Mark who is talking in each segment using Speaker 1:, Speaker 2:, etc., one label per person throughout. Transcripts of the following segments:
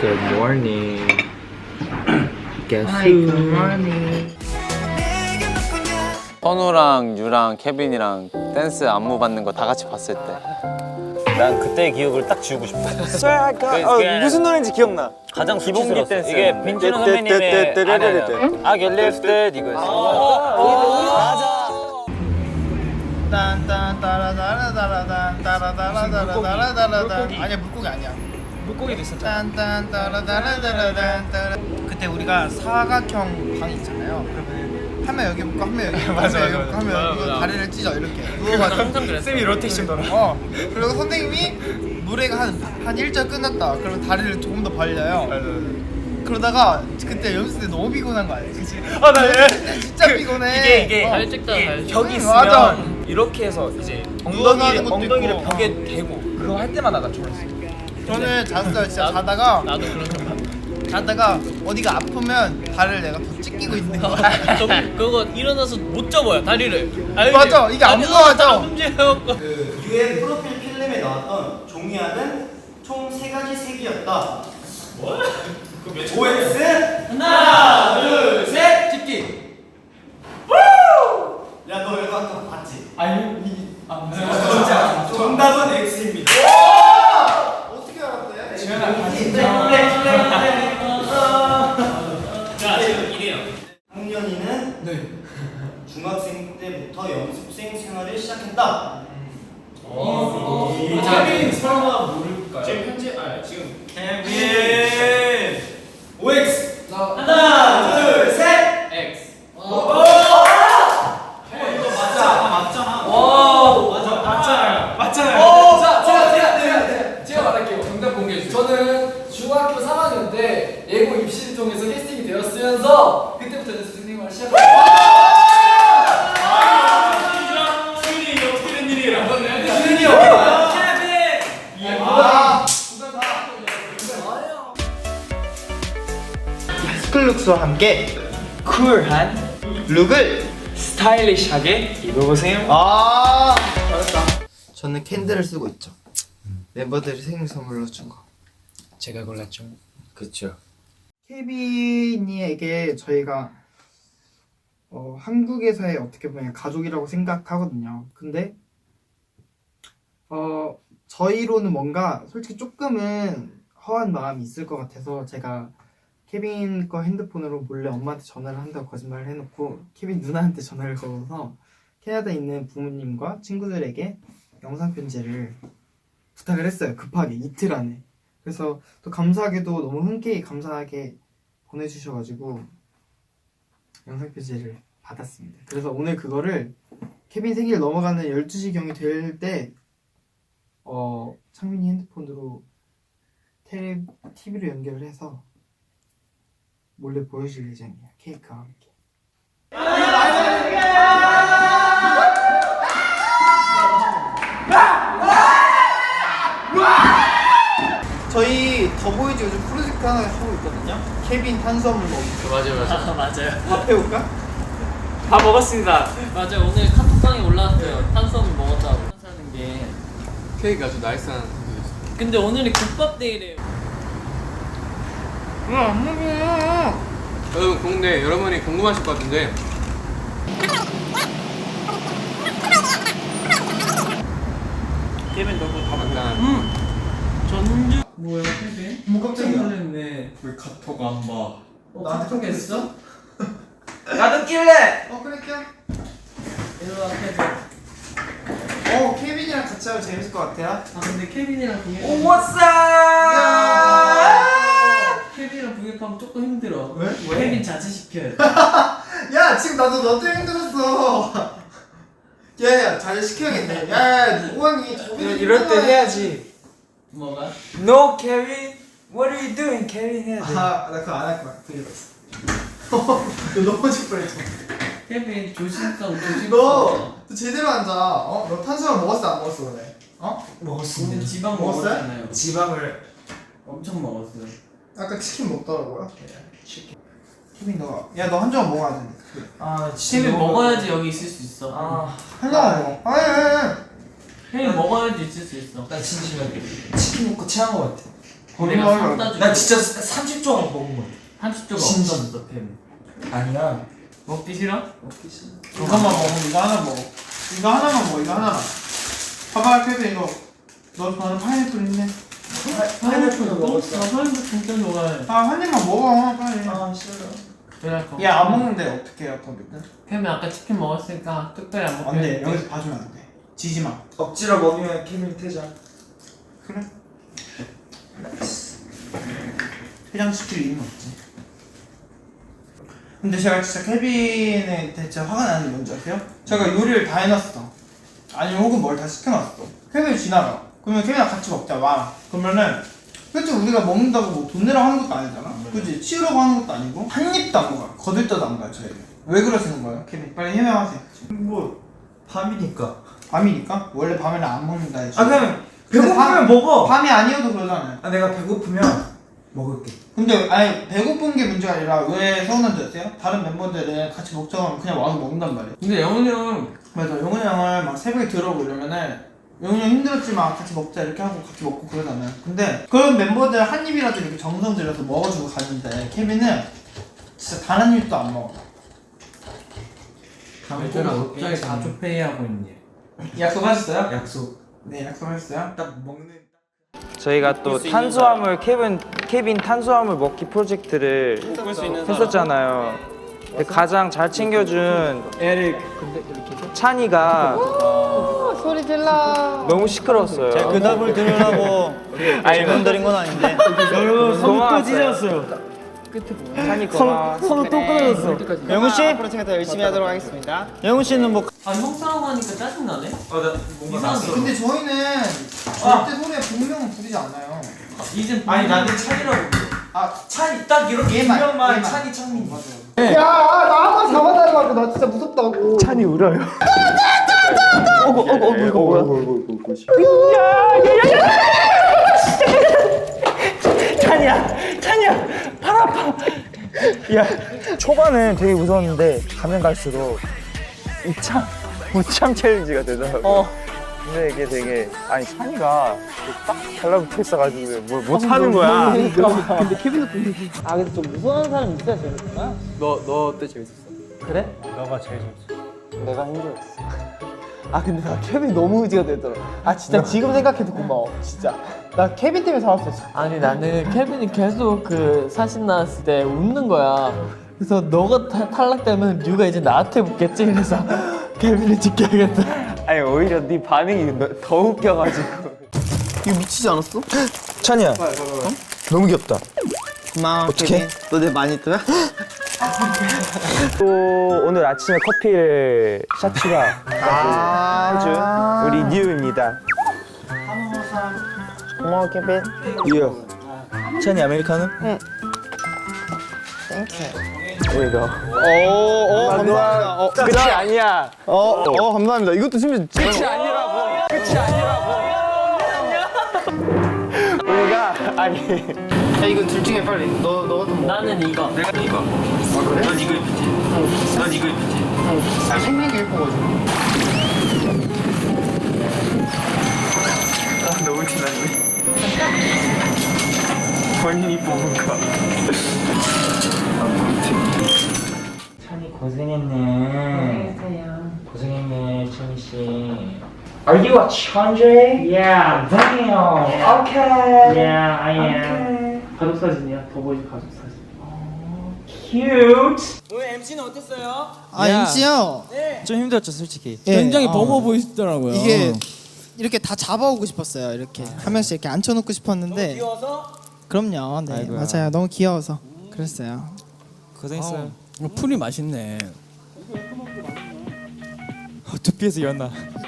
Speaker 1: Good morning. Guess
Speaker 2: Hi,
Speaker 1: who?
Speaker 2: good morning.
Speaker 3: 선우랑 유랑 케빈이랑 댄스 안무 받는 거 다 같이 봤을 때
Speaker 4: 난 그때의 기억을 딱 지우고 싶어.
Speaker 5: 무슨 노래인지 기억나.
Speaker 4: 가장
Speaker 5: 기본기 댄스.
Speaker 4: 이게 빈준호 선배님의 I get lifted 이거였어. 맞아.
Speaker 2: 딴딴따라다라다라다라다라다라다라다라다. 아니야, 물고기 아니야. 물고기도 있었잖아. 딴딴따라다라다라다. 그때 우리가 사각형 방이 있잖아요. 그러면 한 명 여기 붙고 한 명 여기 붙고 한 명 여기 붙고 한 명 여기 붙고 다리를 찢어 이렇게 누워가지고 항상 그랬어. 쌤이 로테이션 돌아. 그리고 선생님이 노래가 한 1절 끝났다. 그러면 다리를 조금 더 벌려요. 그러다가 그때 연습 때 너무 피곤한 거 알지? 그치? 나 진짜 피곤해.
Speaker 6: 이게 살짝다
Speaker 2: 벽이 있으면 맞아.
Speaker 5: 이렇게 해서 이제
Speaker 2: 엉덩이를
Speaker 5: 엉덩이를
Speaker 2: 있고.
Speaker 5: 벽에 대고 그거 할 때마다 나 좋았어.
Speaker 2: 저는 잤어요. 진짜 자다가
Speaker 6: 나도 그런 적 봤어.
Speaker 2: 자다가 어디가 아프면 다리를 내가 더 찢기고 있는 거야.
Speaker 6: 그거 일어나서 못 접어요 다리를. 알지?
Speaker 2: 맞아, 이게 안 모아져.
Speaker 6: 문제여갖고.
Speaker 7: 그 유엔 프로필 필름에 나왔던 종이학은 총 3가지 색이었다. 뭐? OX
Speaker 6: 하나, 둘, 셋, 집기.
Speaker 7: 야, 너 이거 아까 봤지?
Speaker 6: 진짜.
Speaker 7: 정답은 X입니다.
Speaker 2: 어떻게 알았대?
Speaker 6: 자, 지금 이래요.
Speaker 7: 학년이는 중학생 때부터 연습생 생활을 시작했다.
Speaker 6: 케빈 설마 모를까요?
Speaker 7: 지금 현재 지금
Speaker 6: 케빈.
Speaker 7: OX
Speaker 6: 하나,
Speaker 7: 둘, 셋.
Speaker 6: X.
Speaker 8: 제가 말할게요. 정답 공개해 주세요. 저는 중학교 3학년 때 예고 입시를 통해서 캐스팅이 되었으면서 그때부터 연습생 생활을 시작했어요.
Speaker 6: 수인이 어떻게 된 일이에요?
Speaker 8: 수현이 형!
Speaker 2: 스쿨룩스와 함께
Speaker 5: 쿨한
Speaker 2: 룩을
Speaker 5: 스타일리시하게 입어보세요.
Speaker 2: 잘했다. 저는 캔들을 쓰고 있죠. 멤버들이 생일 선물로 준 거.
Speaker 5: 제가 골랐죠.
Speaker 1: 그쵸.
Speaker 2: 케빈이에게 저희가 한국에서의 어떻게 보면 가족이라고 생각하거든요. 근데 저희로는 뭔가 솔직히 조금은 허한 마음이 있을 것 같아서 제가 케빈 거 핸드폰으로 몰래 엄마한테 전화를 한다고 거짓말을 해놓고 케빈 누나한테 전화를 걸어서 캐나다에 있는 부모님과 친구들에게 영상 편지를 부탁을 했어요. 급하게 이틀 안에. 그래서 또 감사하게도 너무 흔쾌히 감사하게 보내주셔가지고 영상 편지를 받았습니다. 그래서 오늘 그거를 케빈 생일 넘어가는 12시경이 될 때 창민이 핸드폰으로 TV로 연결을 해서 몰래 보여줄 예정이에요. 케이크와 함께. 저희 더보이즈 요즘 프로젝트 하나 하고 있거든요. 케빈 탄수화물 먹기.
Speaker 6: 맞아요. 맞아요.
Speaker 2: 밥 해올까?
Speaker 5: 다 먹었습니다.
Speaker 6: 맞아요. 오늘 카톡방에 올라왔어요. 탄수화물 먹었다고. 하는 게.
Speaker 8: 케이크가 아주 나이스한.
Speaker 6: 근데 오늘이 국밥 데이래요.
Speaker 2: 안 먹어.
Speaker 8: 여러분 근데 여러분이 궁금하실 것 같은데
Speaker 5: 케빈 너무 다
Speaker 8: 약간
Speaker 6: 전주. 뭐야, 케빈?
Speaker 2: 뭐 깜짝이야.
Speaker 6: 놀랐네.
Speaker 5: 왜 카톡 안 봐?
Speaker 2: 나한테 톡 했어?
Speaker 5: 나도 낄래.
Speaker 2: 그래 껴.
Speaker 6: 일로와, 케빈.
Speaker 2: 케빈이랑 같이 하면 재밌을 것 같아요.
Speaker 6: 아, 근데 케빈이랑 비교.
Speaker 5: 오 what's up?
Speaker 6: 케빈이랑 비교하면 조금 힘들어.
Speaker 2: 왜?
Speaker 6: 케빈 자제시켜요.
Speaker 2: 야, 지금 나도 너 때문에 힘들었어. 야, 잘 시켜야겠네. 야, 오한이
Speaker 5: 이럴 때 해야지.
Speaker 6: 뭐가?
Speaker 5: No Kevin, what are you doing, Kevin 해야 돼.
Speaker 2: 나 그거 안 할 거야. 들렸어. 너 넘어질 뻔했어.
Speaker 6: 케빈 조심성.
Speaker 2: 너 제대로 앉아. 너 탄수화물 먹었어 안 먹었어 오늘?
Speaker 6: 근데 지방
Speaker 2: 먹었어요?
Speaker 6: 먹었잖아요.
Speaker 5: 지방을
Speaker 6: 엄청 먹었어요.
Speaker 2: 아까 치킨 먹더라고요. 치킨. 케빈 너 한 조각 먹어야 돼.
Speaker 6: 케빈 먹어야지 여기 있을 수 있어.
Speaker 2: 한 조각 먹어. 아니.
Speaker 6: 케빈 먹어야지 있을 수 있어.
Speaker 5: 나 진심에 치킨 먹고 체한 거 같아.
Speaker 6: 내가 샀다 주고
Speaker 5: 나 진짜 30조 먹은 거야.
Speaker 6: 30조가
Speaker 5: 진짜.
Speaker 6: 없었어 팸.
Speaker 5: 아니야.
Speaker 6: 먹기 싫어?
Speaker 2: 이것만 먹어. 이거 하나 먹어. 이거 하나만 먹어. 이거 하나만. 봐봐, 케빈 이거. 너 좋아하는 파인애플 있네.
Speaker 5: 파인애플도
Speaker 6: 나
Speaker 5: 먹었어.
Speaker 6: 파인애플 진짜 좋아해.
Speaker 2: 한 입만 먹어, 빨리.
Speaker 5: 아 싫어.
Speaker 6: 그래.
Speaker 2: 얘 안 먹는데 어떻게 해요, 거기는?
Speaker 6: 팸이 아까 치킨 먹었으니까 특별히 안 먹게.
Speaker 2: 안 돼. 여기서 봐주면 안 돼. 지지 마.
Speaker 5: 억지로 먹으면 케빈 퇴장.
Speaker 2: 그래. 회장시킬 이유는 없지. 근데 제가 진짜 케빈에 대체 화가 나는 게 뭔지 아세요? 제가 요리를 다 해놨어. 아니면 혹은 뭘 다 시켜놨어. 케빈이 지나가. 그러면 케빈이랑 같이 먹자. 와. 그러면은 솔직히 우리가 먹는다고 뭐 돈 내라고 하는 것도 아니잖아. 그치? 치우라고 하는 것도 아니고 한 입도 안 먹어요. 거들떠도 안 가요 저희는. 왜 그러시는 거예요? 케빈 빨리 해명하세요.
Speaker 5: 뭐 밤이니까.
Speaker 2: 밤이니까? 원래 밤에는 안 먹는다 했지.
Speaker 5: 아 그냥
Speaker 2: 근데
Speaker 5: 배고프면 먹어.
Speaker 2: 밤이 아니어도 그러잖아요.
Speaker 5: 아 내가 배고프면 먹을게.
Speaker 2: 근데 아니 배고픈 게 문제가 아니라 왜 서운한 줄 아세요? 다른 멤버들은 같이 먹자고 하면 그냥 와서 먹는단 말이에요.
Speaker 6: 근데 영훈이 형
Speaker 2: 맞아. 영훈이 형을 막 새벽에 들어오고 이러면은 영훈이 형 힘들었지만 같이 먹자 이렇게 하고 같이 먹고 그러잖아요. 근데 그런 멤버들 한 입이라도 이렇게 정성 들여서 먹어주고 가는데 케빈은 진짜 단 한 입도 안 먹어.
Speaker 6: 얘들아 갑자기 가족회의 하고 있니?
Speaker 2: 약속하셨어요?
Speaker 5: 약속.
Speaker 2: 네, 약속하셨어요?
Speaker 5: 딱 먹는.
Speaker 4: 저희가 또 탄수화물 케빈 탄수화물 먹기 프로젝트를 했었잖아요. 근데 가장 잘 챙겨준 찬이가
Speaker 9: 소리 질러.
Speaker 4: 너무 시끄러웠어요.
Speaker 7: 그 답을 들으라고 질문 드린 건 아닌데.
Speaker 4: 여러분 손또 찢었어요. 찬이 고마워.
Speaker 9: 손을 또 끊어졌어.
Speaker 7: 영훈 씨 앞으로 제가 더 열심히 하도록 하겠습니다. 영훈 씨는 뭐
Speaker 6: 아 형사라고 하니까 짜증나네?
Speaker 5: 나 뭔가 났어.
Speaker 2: 근데 저희는 절대 소리에 분명은 부리지 않아요.
Speaker 6: 이젠
Speaker 5: 아니 나는 찬이라고 불러.
Speaker 2: 아,
Speaker 5: 찬이 딱 이렇게
Speaker 2: 얘만,
Speaker 5: 유명한
Speaker 2: 얘만.
Speaker 5: 찬이 찬민.
Speaker 2: 맞아요.
Speaker 9: 야, 나 한 번 잡아달라고. 나 진짜 무섭다고.
Speaker 4: 찬이 울어요.
Speaker 9: 이거 뭐야?
Speaker 4: 찬이야, 팔 아파. 야, 초반은 되게 무서웠는데 가면 갈수록 무참 챌린지가 되더라고. 근데 이게 되게 찬이가 딱 달라붙어 있어가지고 뭘 못하는 거야.
Speaker 9: 근데 케빈도 아, 근데 좀 무서운 사람 있어야 재밌구나.
Speaker 1: 너 어때 재밌었어?
Speaker 9: 그래?
Speaker 7: 너가 제일 좋지.
Speaker 9: 내가 힘들었어. 아, 근데 나 케빈 너무 의지가 되더라. 아, 진짜 지금 생각해도 고마워. 진짜. 나 케빈 때문에 살았어.
Speaker 10: 아니 나는 케빈이 계속 그 사신 나왔을 때 웃는 거야. 그래서 너가 탈락되면 류가 이제 나한테 묻겠지. 그래서 케빈을 지켜야겠다.
Speaker 4: 아니 오히려 네 반응이 더 웃겨가지고.
Speaker 9: 이거 미치지 않았어?
Speaker 4: 찬이야, 너무 귀엽다.
Speaker 9: 고마워.
Speaker 4: 어떡해?
Speaker 9: 너 내 마니또야?
Speaker 4: 또 오늘 아침에 커피를 샤치가 해준 우리 뉴입니다.
Speaker 9: 고마워, 케빈.
Speaker 4: 뉴. 찬이 아메리카노?
Speaker 9: 응.
Speaker 4: There you go.
Speaker 9: 감사합니다.
Speaker 4: 끝이 아니야.
Speaker 9: 감사합니다. 이것도 심지어
Speaker 4: 끝이 아니라고. 끝이 아니라고. 우리가 아니.
Speaker 2: 야, 이건 둘 중에 빨리. 너가 좀.
Speaker 6: 나는 이거.
Speaker 2: 넌 이거 입지. 넌 이거 입지. 아, 생긴 게 예뻐가지고.
Speaker 4: 너무 티났네. 본인이 뽑은 거.
Speaker 5: 찬이 고생했네. 고생했네 찬이 씨. Are you a 천재? Yeah, damn. Okay. Yeah, I am.
Speaker 6: 가족 사진이야. 더보이즈 가족 사진.
Speaker 5: Cute.
Speaker 7: 오늘 MC는 어땠어요?
Speaker 2: 아, MC요?
Speaker 7: 좀 힘들었죠 솔직히.
Speaker 10: 굉장히 버거워 보이시더라고요.
Speaker 2: 이게 이렇게 다 잡아오고 싶었어요. 이렇게 한 명씩 이렇게 앉혀놓고 싶었는데.
Speaker 7: 귀여워서?
Speaker 2: 그럼요. 네,
Speaker 10: 아이고야.
Speaker 2: 맞아요. 너무 귀여워서 그랬어요.
Speaker 5: 고생했어요.
Speaker 10: 풀이 맛있네.
Speaker 5: 두피에서 연나.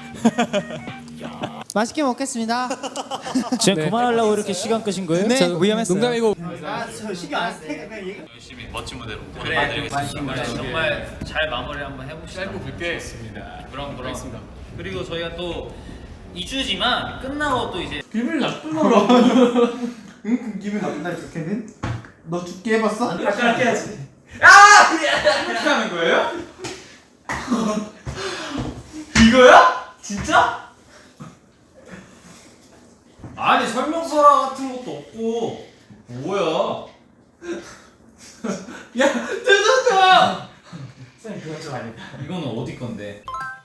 Speaker 2: 맛있게 먹겠습니다.
Speaker 5: 지금 그만하려고 이렇게 시간 끄신 거예요?
Speaker 2: 네.
Speaker 5: 저 위험했어요.
Speaker 10: 농담이고.
Speaker 2: 저 신경 안 쓰.
Speaker 6: 열심히 멋진 무대로 보내드리겠습니다. 정말 잘 마무리 한번 해봅시다. 짧고 굵게 했습니다. 그럼. 그리고 저희가 또 2주지만 끝나고 또 이제
Speaker 2: 기분 나쁘나? 응? 기분 나쁜다니까 케빈? 너 죽게 해봤어?
Speaker 5: 아까 해야지. 이렇게 하는 거예요?
Speaker 6: 이거야? 진짜? 아니 설명서 같은 것도 없고 뭐야? 야 뜯어줘! 쌤 그건 좀 아니다. 이거는 어디 건데?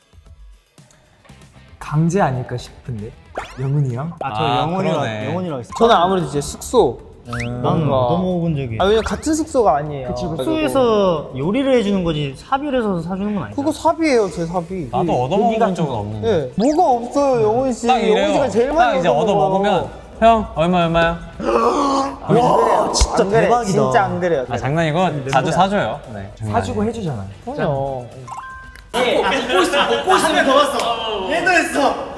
Speaker 5: 강제 아닐까 싶은데. 영훈이 형?
Speaker 7: 저 영혼이라고 했어.
Speaker 9: 저는 아무래도 이제 숙소.
Speaker 7: 나는
Speaker 9: 뭔가-
Speaker 7: 넘어본 적이.
Speaker 9: 왜냐면 같은 숙소가 아니에요.
Speaker 7: 숙소에서 요리를 해주는 거지 사비를 해서 사주는 건 아니잖아.
Speaker 9: 그거 사비예요, 제 사비.
Speaker 3: 나도 얻어먹은 적은 없는데.
Speaker 9: 예. 뭐가 없어요, 영훈 씨.
Speaker 3: 딱
Speaker 9: 영훈
Speaker 3: 이래요.
Speaker 9: 씨가 제일
Speaker 3: 딱
Speaker 9: 많이
Speaker 3: 이제 얻어먹으면 형 얼마야?
Speaker 9: 와, 진짜
Speaker 7: 대박이다.
Speaker 9: 진짜 안 그래요.
Speaker 3: 아 장난이고 자주 사줘요. 네.
Speaker 5: 사주고 해주잖아요.
Speaker 9: 그럼요.
Speaker 7: 먹고 있으면 한명 더 왔어. 얘도 했어.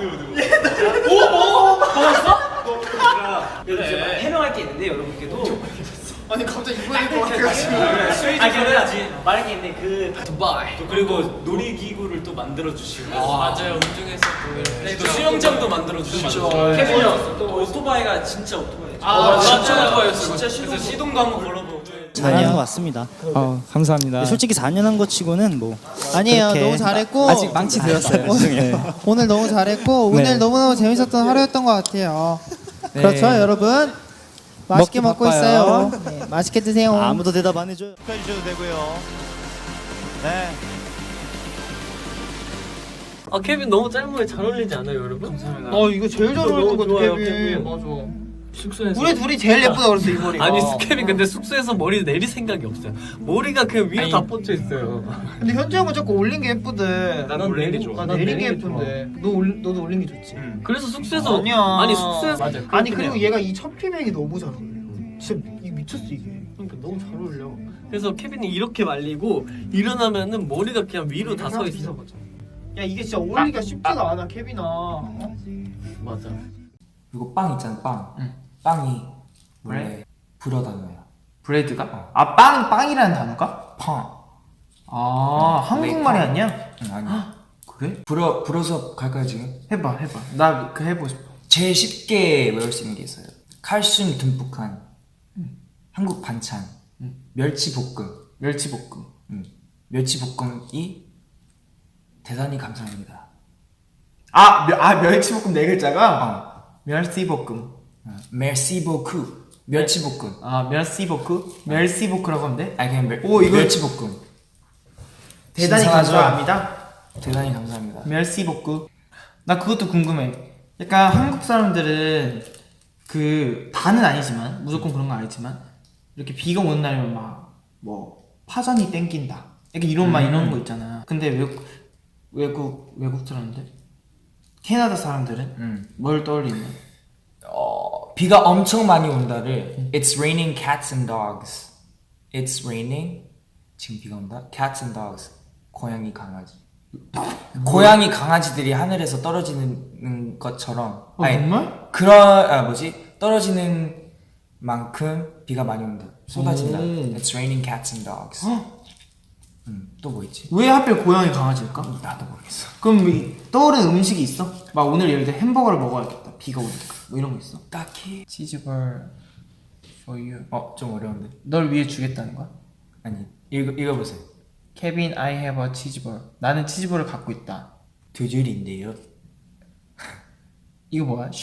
Speaker 6: 그래.
Speaker 5: 해명할 게 있는데 여러분께도.
Speaker 2: 아니 갑자기 이번에 또 와가지고.
Speaker 5: 해야지. 말할 게 있는데 그 두바이. 또 그리고 놀이기구를 또 만들어 주시고.
Speaker 6: 맞아요. 운중에서
Speaker 5: 또 수영장도 만들어 주시고.
Speaker 6: 케빈
Speaker 5: 또 오토바이가 진짜 오토바이.
Speaker 6: 진짜 오토바이였어.
Speaker 5: 진짜 시동도 한번 걸어보고.
Speaker 7: 4년 한 것 같습니다.
Speaker 5: 감사합니다.
Speaker 7: 솔직히 4년 한 거 치고는 뭐
Speaker 9: 아니에요,
Speaker 7: 그렇게-
Speaker 9: 너무 잘했고.
Speaker 5: 아직 망치 들었어요.
Speaker 7: 죄송해요.
Speaker 9: 오늘 너무 잘했고 오늘 너무너무 재밌었던 하루였던 것 같아요. 그렇죠, 여러분. 맛있게 먹고 있어요. 네, 맛있게 드세요.
Speaker 7: 아무도 대답 안 해줘요. 축하해 주셔도 되고요. 네.
Speaker 10: 아 케빈 너무 짧은 게 잘 어울리지 않아요, 여러분? 감사합니다.
Speaker 9: 이거 제일 잘 어울릴 것 같아, 케빈.
Speaker 10: 맞아. 숙소에서
Speaker 9: 우리 둘이 제일 예쁘다 그랬어, 이 머리가.
Speaker 10: 아니 케빈 근데 숙소에서 머리 내릴 생각이 없어요. 머리가 그냥 위로 다 뻗쳐 있어요.
Speaker 9: 근데 현재 형은 자꾸 올린 게 예쁘대.
Speaker 10: 나는 올린 게 좋아.
Speaker 9: 난 내린 게 예쁜데. 너도 올린 게 좋지.
Speaker 10: 그래서 숙소에서
Speaker 9: 아니야.
Speaker 10: 아니 숙소에서 맞아.
Speaker 9: 아니 그리고 얘가 이 첫피백이 너무 잘 어울려. 진짜 이게 미쳤어 이게.
Speaker 10: 그러니까 너무 잘 어울려. 그래서 케빈이 이렇게 말리고 일어나면은 머리가 그냥 위로 다 서 있어.
Speaker 9: 야 이게 진짜 어울리기가 쉽지가 않아, 케빈아.
Speaker 10: 맞아.
Speaker 1: 그리고 빵 있잖아, 빵. 빵이 원래 불어 단어야.
Speaker 2: 브레드가? 아 빵이라는 단어가?
Speaker 1: 팡.
Speaker 2: 아 한국말이 아니야?
Speaker 1: 응, 아니.
Speaker 2: 그래?
Speaker 1: 불어서 갈까요 지금?
Speaker 2: 해봐. 나 그 해보고 싶어.
Speaker 1: 제일 쉽게 외울 수 있는 게 있어요. 칼슘 듬뿍한 한국 반찬. 멸치볶음. 멸치볶음이 대단히 감사합니다.
Speaker 2: 멸치볶음 네 글자가? 멸치볶음.
Speaker 1: 메시 보크. 멸치볶음.
Speaker 2: 멸치볶라고 하면 돼?
Speaker 1: 아니 그냥
Speaker 2: 오, 이거-
Speaker 1: 멸치볶음.
Speaker 2: 대단히
Speaker 1: 신선하죠?
Speaker 2: 감사합니다.
Speaker 1: 대단히 감사합니다.
Speaker 2: 멸치볶음. 나 그것도 궁금해. 약간 한국 사람들은 그 다는 아니지만 무조건 그런 건 아니지만 이렇게 비가 오는 날이면 막 뭐 파전이 땡긴다. 이렇게 이런 말 이런 거 있잖아. 근데 외국 사람들, 캐나다 사람들은 뭘 떠올리는?
Speaker 1: 비가 엄청 많이 온다를 It's raining cats and dogs. It's raining. 지금 비가 온다. Cats and dogs. 고양이 강아지. 고양이 강아지들이 하늘에서 떨어지는 것처럼.
Speaker 2: 정말?
Speaker 1: 떨어지는 만큼 비가 많이 온다. 쏟아진다. It's raining cats and dogs. 또 뭐 있지?
Speaker 2: 왜 하필 고양이 강아지일까?
Speaker 1: 나도 모르겠어.
Speaker 2: 그럼 떠오르는 음식이 있어? 막 오늘 예를 들어 햄버거를 먹어야겠다. 비가 오니까. 뭐 이런 거 있어?
Speaker 1: 딱히.
Speaker 2: 치즈볼 for you.
Speaker 1: 좀 어려운데.
Speaker 2: 널 위해 주겠다는 거야?
Speaker 1: 아니 읽어보세요.
Speaker 2: 케빈, I have a 치즈볼. 나는 치즈볼을 갖고 있다.
Speaker 1: 두 줄인데요.
Speaker 2: 이거 뭐야?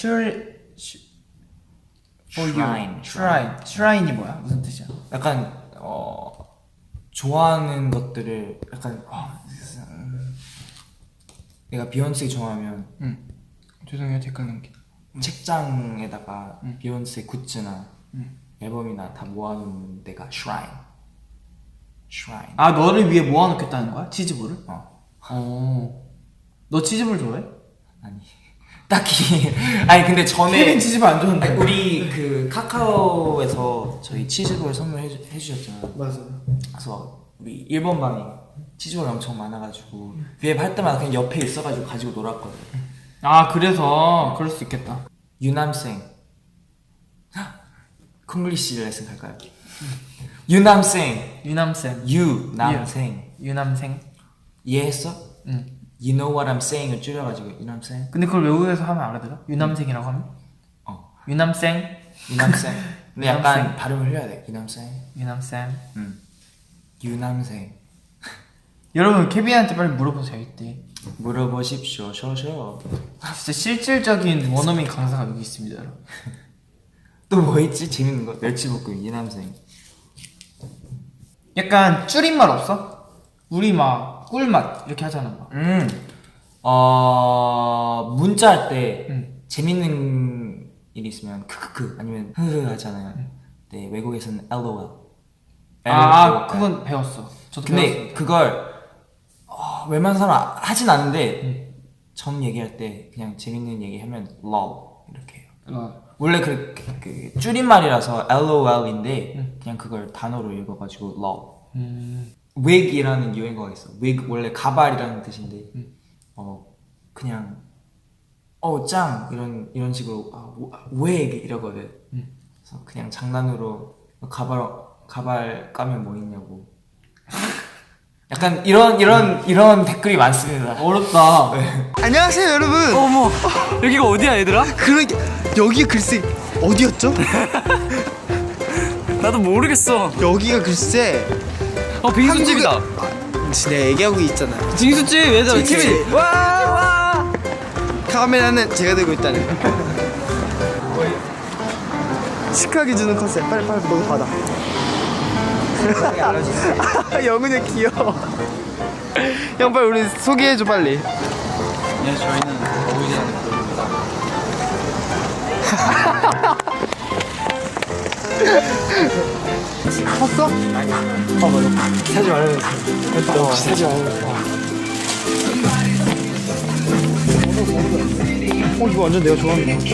Speaker 2: for
Speaker 1: Shrine.
Speaker 2: you. Shrine이 뭐야? 무슨 뜻이야?
Speaker 1: 약간 좋아하는 것들을 약간 내가 비욘세 좋아하면
Speaker 2: 죄송해요, 댓글 남기.
Speaker 1: 책장에다가 비욘세 굿즈나 앨범이나 다 모아놓는 데가 Shrine.
Speaker 2: 아, 너를 위해 모아놓겠다는 거야? 치즈볼을? 너 치즈볼 좋아해?
Speaker 1: 아니 딱히 아니 근데 전에
Speaker 2: 케빈 치즈볼 안 좋아한다.
Speaker 1: 우리 그 카카오에서 저희 치즈볼 선물해 주셨잖아요.
Speaker 2: 맞아.
Speaker 1: 그래서 우리 일본 방에 치즈볼 엄청 많아가지고 비앱 할 때마다 그냥 옆에 있어가지고 가지고 놀았거든.
Speaker 2: 아, 그래서 그럴 수 있겠다.
Speaker 1: 유남생 콩글리시 레슨 갈까요? 유남생
Speaker 2: 유남생.
Speaker 1: 이해했어?
Speaker 2: 응.
Speaker 1: You know what I'm saying을 줄여가지고 유남생.
Speaker 2: 근데 그걸 외국에서 하면 알아들어? 유남생이라고 하면? 유남생.
Speaker 1: 근데 약간 발음을 흘려야 돼. 유남생.
Speaker 2: 여러분, 케빈한테 빨리 물어보세요, 이때.
Speaker 1: 물어보십시오. 쇼쇼.
Speaker 10: 진짜 실질적인 원어민 강사가 여기 있습니다, 여러분.
Speaker 1: 또 뭐 있지? 재밌는 거. 멸치볶음 이남생.
Speaker 10: 약간 줄임말 없어? 우리 막 꿀맛 이렇게 하잖아. 막.
Speaker 1: 문자 할 때
Speaker 10: 응.
Speaker 1: 재밌는 일이 있으면 크크크 아니면 흐흐 하잖아요. 네, 외국에서는 LOL.
Speaker 10: 그건 배웠어. 저도
Speaker 1: 근데
Speaker 10: 배웠습니다.
Speaker 1: 그걸 웬만한 사람 하진 않는데 전 얘기할 때 그냥 재밌는 얘기 하면 LOL 이렇게 해요. 원래 그 줄임말이라서 LOL인데 그냥 그걸 단어로 읽어가지고 LOL. wig이라는 유행어가 있어. wig 원래 가발이라는 뜻인데 그냥 짱 이런 식으로 wig 이러거든. 그래서 그냥 장난으로 가발 까면 뭐 있냐고. 약간 이런 댓글이 많습니다.
Speaker 10: 어렵다.
Speaker 11: 안녕하세요 여러분.
Speaker 10: 어머, 여기가 어디야 얘들아?
Speaker 11: 그러게 여기 글쎄 어디였죠?
Speaker 10: 나도 모르겠어.
Speaker 11: 여기가 글쎄
Speaker 10: 빙수집이다.
Speaker 11: 내가 얘기하고 있잖아.
Speaker 10: 빙수집 얘들아.
Speaker 11: 빙수집.
Speaker 10: 와.
Speaker 11: 카메라는 제가 들고 있다는 거. 시크하게 주는 컨셉. 빨리 너도 받아. 영훈이 형 귀여워. 형 빨리 우리 소개해줘 빨리.
Speaker 3: 네, 저희는 어울리는 그룹입니다.
Speaker 11: 컸어? 아니. 맞아. 사지 말아요. 사지 말아요. 이거 완전 내가 좋아하는 거.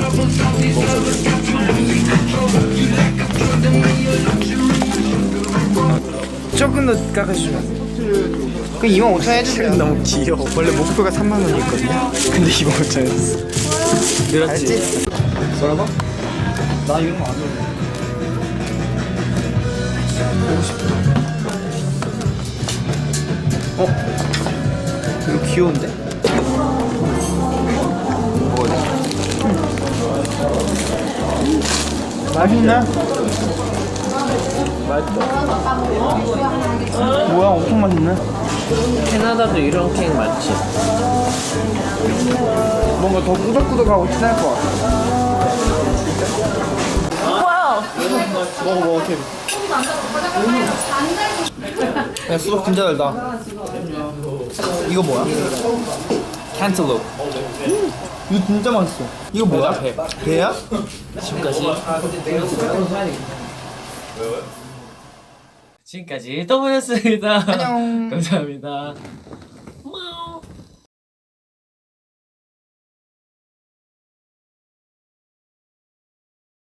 Speaker 2: 조금 더 깎아주시면. 그 25,000원 해주세요.
Speaker 11: 너무 귀여워. 원래 목표가 3만 원이었거든요. 근데 25,000원이었어. 늘었지?
Speaker 2: 뭐라고? 나 이런 거 안 좋아해.
Speaker 11: 이거 귀여운데?
Speaker 2: 맛있네. 뭐야, 엄청 맛있네.
Speaker 10: 캐나다도 이런 케이크 많지.
Speaker 2: 뭔가 더 꾸덕꾸덕하고 친할 것 같아. 먹어, 케빈. 야, 수박 진짜 달다. 이거 뭐야?
Speaker 1: 캔틀롭.
Speaker 2: 이거 진짜 맛있어. 이거 뭐야? 배야?
Speaker 10: 지금까지 더블였습니다.
Speaker 2: 안녕.
Speaker 10: 감사합니다.